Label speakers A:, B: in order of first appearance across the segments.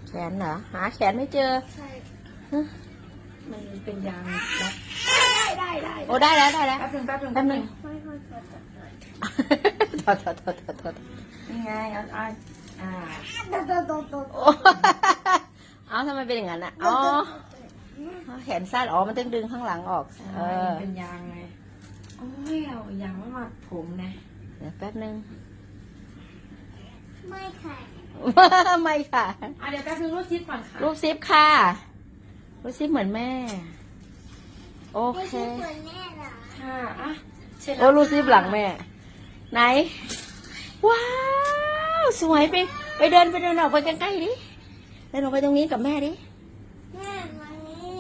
A: แขนเหรอหาแขนไม่เจอ
B: ใช่
A: มันเป็นยางรัด
B: ได้
A: โอ้ได้แล้ว
B: แป๊บนึง
A: ไม่ถอด
B: นี่ไงเอา
A: เอาทำไมเป็นอย่างนั้นอ่ะอ๋อแขนสั้นอ๋อมันต้องดึงข้างหลังออก
B: เป็นยางไงโอ้ยเอายางมาผมนะ
A: เดี๋ยวแป๊บนึง
B: ไม่ค่ะ
A: ไม่ค่ะ
B: เดี๋ยวแป๊บนึงรูปซิปก่อนค่ะ
A: รูปซิปค่ะรูปซิปเหมือนแม่โอเค
B: เหมือนแม่เหรอค่ะ
A: โอ้รูปซิปหลังแม่ไหนว้าวสวยไปเดินออกไปใกล้ๆดิเดินออกไปตรงนี้กับแม่ดิ
B: แม่มานี่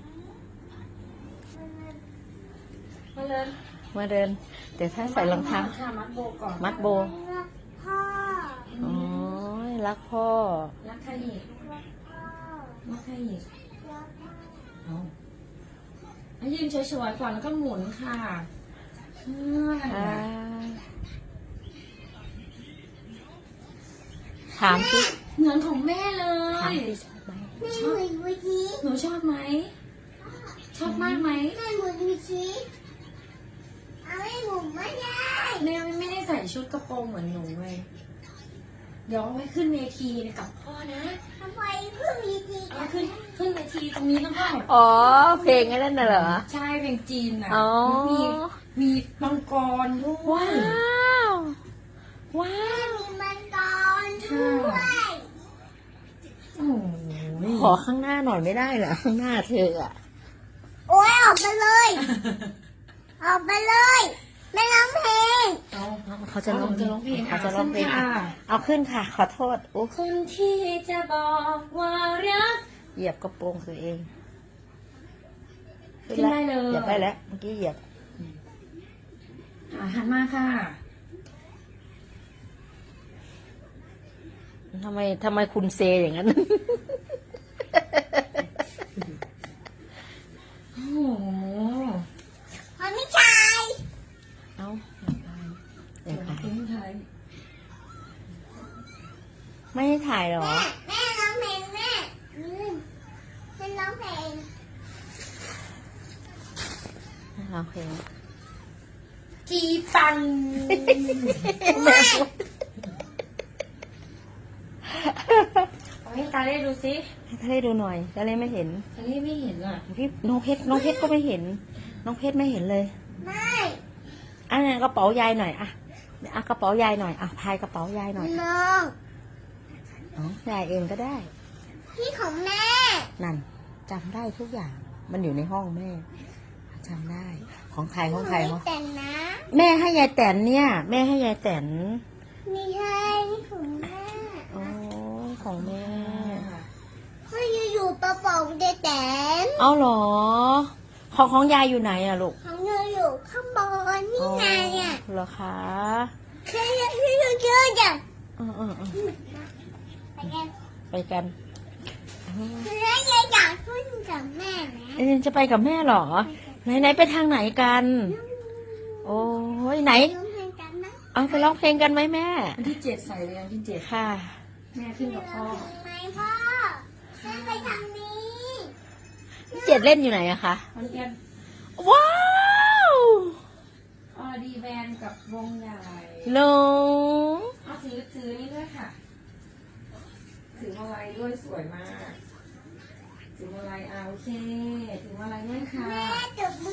A: มาเดินเดี๋ยวถ้าใส่รองเท้า
B: มัดโบก่อน
A: มัดโบ
B: พ่อ
A: โอ้ยรักพ่อ
B: รักใครอีกรักใครอีกยืนเฉยๆก่อนแล้วก็หมุนค่ะ
A: ถามสิ
B: เหมือนของแม่เลย
A: ถามสิชอบไหม
B: หนูชอบไหมชอบมากไหม
C: แม่หมุนดูสิเอาไม่หมุนไม่ได้
B: แม่ไม่ได้ใส่ชุดกระโปรงเหมือนหนูเลยเดี๋ยวเอาไว้ขึ้นเวทีกับพ่อนะ
C: ทำไมขึ้นเวที
B: เอาขึ้นเวทีตรงนี้ต้องพ่อ
A: อ๋อเพลงนั่นน่ะเหรอ
B: ใช่เพลงจีนน่ะมีมังกรด้วย
A: ว้าว
C: มีมังกรด้วย
A: ขอข้างหน้าหน่อยไม่ได้เหรอข้างหน้าเธออะ
C: โอ้ยออกไปเลยออกไปเลยไม่ร้องเพลง
A: เขาจะร้องเพลงเอาขึ้นค่ะขอโทษ
B: คนที่จะบอกว่ารัก
A: เหยียบกระโปรงตัวเอง
B: ขึ้นได้เลย
A: เหยียบได้แล้วเมื่อกี้เหยียบ
B: หันมาค่ะ
A: ทำไมคุณเซอย่างนั้น
B: โอ้โห
C: มันไม่ใช่
A: เอาไม่ให้ถ่ายหรอ
C: แม่ร้องเพลงแม่เป็นร้องเพลง
B: จีปันให้ตาเล่ดูสิ
A: ให้ตาเล่ดูหน่อยตาเล่ไม่เห็น
B: ตาเล่ไม่เห็นอ่ะ
A: พี่น้องเพชรก็ไม่เห็นน้องเพชรไม่เห็นเลย
C: ไม่
A: กระเป๋ายายหน่อยกระเป๋ายายหน่อยพายกระเป๋ายายหน่อยน้องยายเองก็ได้
C: พี่ของแม่
A: นั่นจำได้ทุกอย่างมันอยู่ในห้องแม่จำได้ของใคร
C: แต่นนะ
A: แม่ให้ยายแตนเนี่ยแม่ให้ยายแตน
C: นี่ให้ของแม่
A: ของแม่
C: ไม่อยู่กระเป๋าเดแตน
A: เอาหรอของยายอยู่ไหนอะลูก
C: ของยายอยู่ข้างบนนี่ไงอะ
A: เหรอคะ
C: พี่เยอะจัง
A: ไปกัน
C: แล้วยายอยากขึ้นกับแม่นะ
A: จะไปกับแม่หรอไหนไปทางไหนกันโอ้ยไหนเอาไปร้องเพลงกันไหมแม่
B: วันที่7ใส่เลยวันที่7
A: ค่ะ
B: แม่ขึ้นกับพ่อ
C: ไหมพ่อแม่ไปทางนี้
A: 7เล่นอยู่ไหนอะคะว้าว
B: ดีแวนกับวงใหญ่
A: ลง
B: เอาถือนี่ด้วยค่ะถือมาลัยด้วยสวยมากถือมาลัยโอเคถือมาลัยด้วยค่ะ
C: แม่จับมื